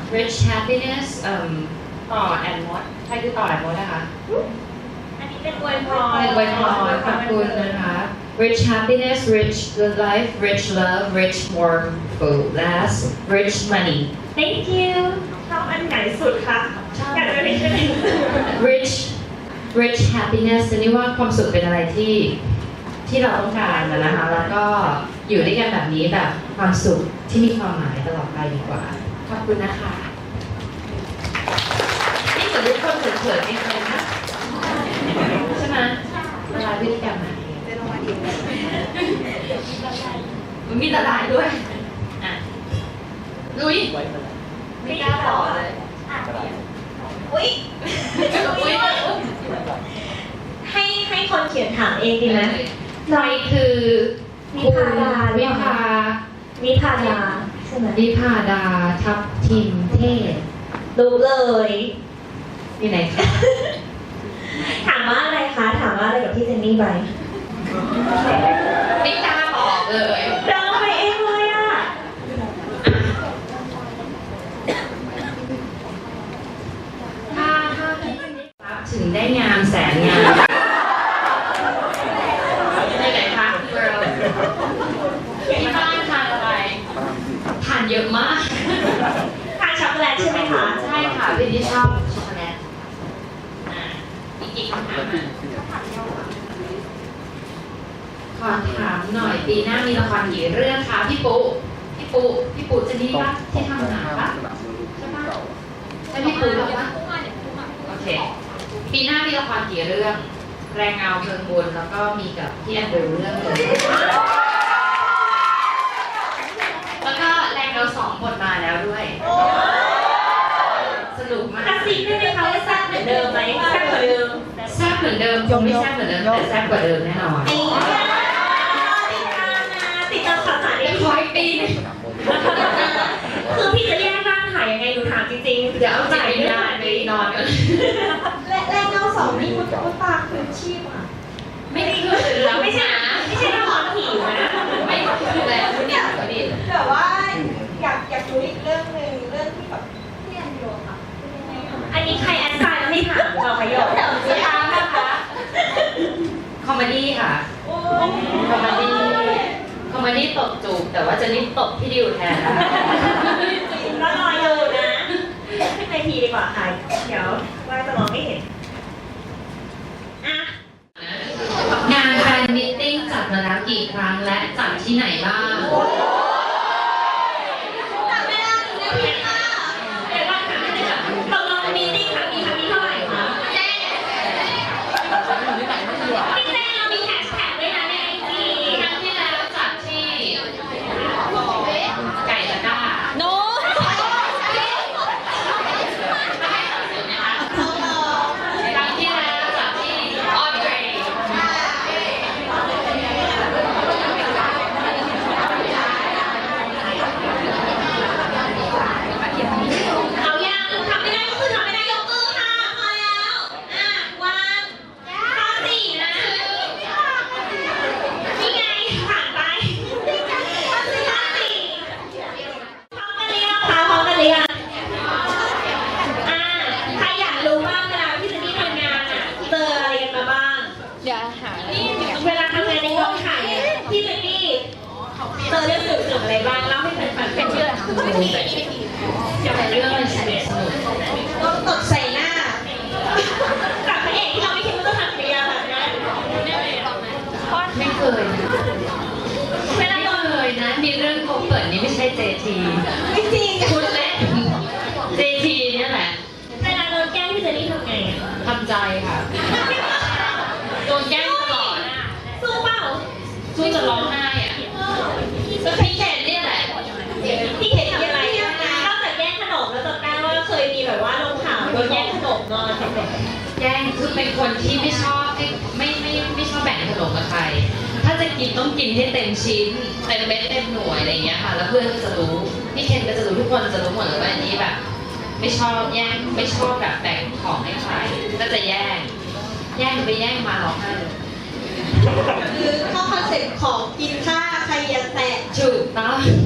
rich happiness ต่อแอนมดใครคือต่อแอนมดนะคะอันนี้เป็นอวยพรเป็นไวยพรขอบคุณนะคะ rich happiness rich good life rich love rich warm food last rich money Thank you ชอบอันไหนสุดคะอยากจะเรียนอะไร rich happiness นี่ว่าความสุขเป็นอะไรที่เราต้องการนะคะ แล้วก็อยู่ด้วยกันแบบนี้แบบความสุขที่มีความหมายตลอดไปดีกว่า ขอบคุณนะคะ นี่เหมือนทุกคนเขินๆเองเลยนะใช่ไหมละลายพฤติกรรมไหนมันมีละลายด้วยอ่ะลุยไม่กล้าต่อเลยอุ๊ยให้คนเขียนถามเองดีไหมใครคือนิพาดาวิภานิพาดาใช่ไหมวิภาดาทับทิมเทศรู้เลยอยู่ไหนคะถามว่าอะไรคะ ถามว่าอะไรกับพี่เจนนี่ไปไม่กล้าบอกเลยเดินไปเองเลยอ่ะถ้าพี่รับถึงได้งามแสนงามไปไหนคะเกิร์ลที่บ้านทานอะไรทานเยอะมากทานช็อกโกแลตใช่ไหมคะใช่ค่ะพี่ที่ชอบช็อกโกแลตอีกกี่คำถามอ่ะขอถามหน่อยปีหน้ามีละครกี่เรื่องคะพี่ปุ๊จะนี่ปะที่ทำหนังปะใช่ปะใช่พี่ปุ๊หรอปะโอเคปีหน้ามีละครกี่เรื่อง แรงเงาเพลิงบุญแล้วก็มีกับพี่แอนดรูเรื่องหนึงแล้วก็แรงเงา2 บทมาแล้วด้วย สนุกมากกระซิบได้ไหมคะว่าแซ่บเหมือนเดิมไหมแซ่บกว่าเดิมแซ่บเหมือนเดิมคงไม่แซ่บเหมือนเดิมแต่แซ่บกว่าเดิมแน่นอนไอ้ติดตามข่าวสารได้ขออีกปีนึงคือพี่จะแยกร่างถ่ายยังไงหนูถามจริงๆเดี๋ยวเอาใจไม่ได้ไปนอนกันและแรงเงา2นี่คุณตาคืนชีพอ่ะไม่คือแล้วไม่ใช่นะไม่ใช่ละครผีนะไม่คือแล้วเนี่ยดิแต่ว่าอยากรู้อีกเรื่องหนึ่งเรื่องที่แบบที่อันโยค่ะเป็นยังไงคะอันนี้ใครแอดไซน์มาให้ถามเราขยกเดี๋ยวจะถามนะคะคอมเมดี้ค่ะโอ้ยคอมเมดี้ตบจูบแต่ว่าจะนี่ตบพี่ดิวแทนนะคะก็รออยู่นะขึ้นในทีดีกว่าค่ะเดี๋ยวว่าจะมองไม่เห็นอ่ะงานแฟนมิทติ้งจัดมาแล้วกี่ครั้งและจัดที่ไหนบ้างจับเวลาหนึ่งนาทีค่ะเดี๋ยวว่าถามให้เลยค่ะตกลงมีติ้งครั้งนี้เท่าไหร่คะพี่แจ้เรามีแฮชแท็กด้วยนะในไอจีครั้งที่แล้วจัดที่ไก่ตะกร้าโน้ครั้งที่แล้วจัดที่ออเดรเอายังทำไม่ได้ก็คือทำไม่ได้ยกมือค่ะพอแล้ววางข้อ4นะนี่ไงผ่านไปข้อ4พร้อมกันหรือยังคะพร้อมกันหรือยังใครอยากรู้บ้างเวลาพี่เจนนี่ทำงานเจออะไรกันมาบ้างเดี๋ยวหาเวลาทำงานในกองถ่ายพี่เจนนี่เจอเรื่องสนุกๆอะไรบ้างเล่าให้แฟนๆฟังหน่อยจะเป็นเรื่องอะไรสนุกต้องตดใส่หน้ากับพระเอกที่เราไม่คิดว่าจะทำกิริยาแบบนั้นไม่เคยนะเวลาไม่โดนเคยนะ มีเรื่องโกเปิดนี่ไม่ใช่เจทีไม่จริงคุณเล่นเจทีเนี่ยแหละเวลาโดนแกล้งพี่เจนนี่ทำไงอะทำใจค่ะ โดนแกล้งตลอดสู้เปล่าสู้จะร้องไห้อ่ะก็พี่เคนเนี่ยแหละพี่เห็นมีอะไรนอกจากแย่งขนมแล้วจำได้ว่าเคยมีแบบว่าลงข่าวโดนแย่งขนมนอนแย่งคือเป็นคนที่ไม่ชอบไม่ชอบแบ่งขนมกับใคร ถ้าจะกินต้องกินให้เต็มชิ้นเต็มเม็ดเต็มหน่วยอะไรอย่างเงี้ยค่ะ แล้วเพื่อนก็จะรู้พี่เคนก็จะรู้ทุกคนจะรู้หมดเลยว่าอันนี้แบบ ไม่ชอบแย่งไม่ชอบแบบแบ่งของให้ใครก็จะแย่งไปแย่งมาร้องไห้เลยคือเข้าคอนเซ็ปต์ของกินข้าใครอย่าแตะถูกต้อง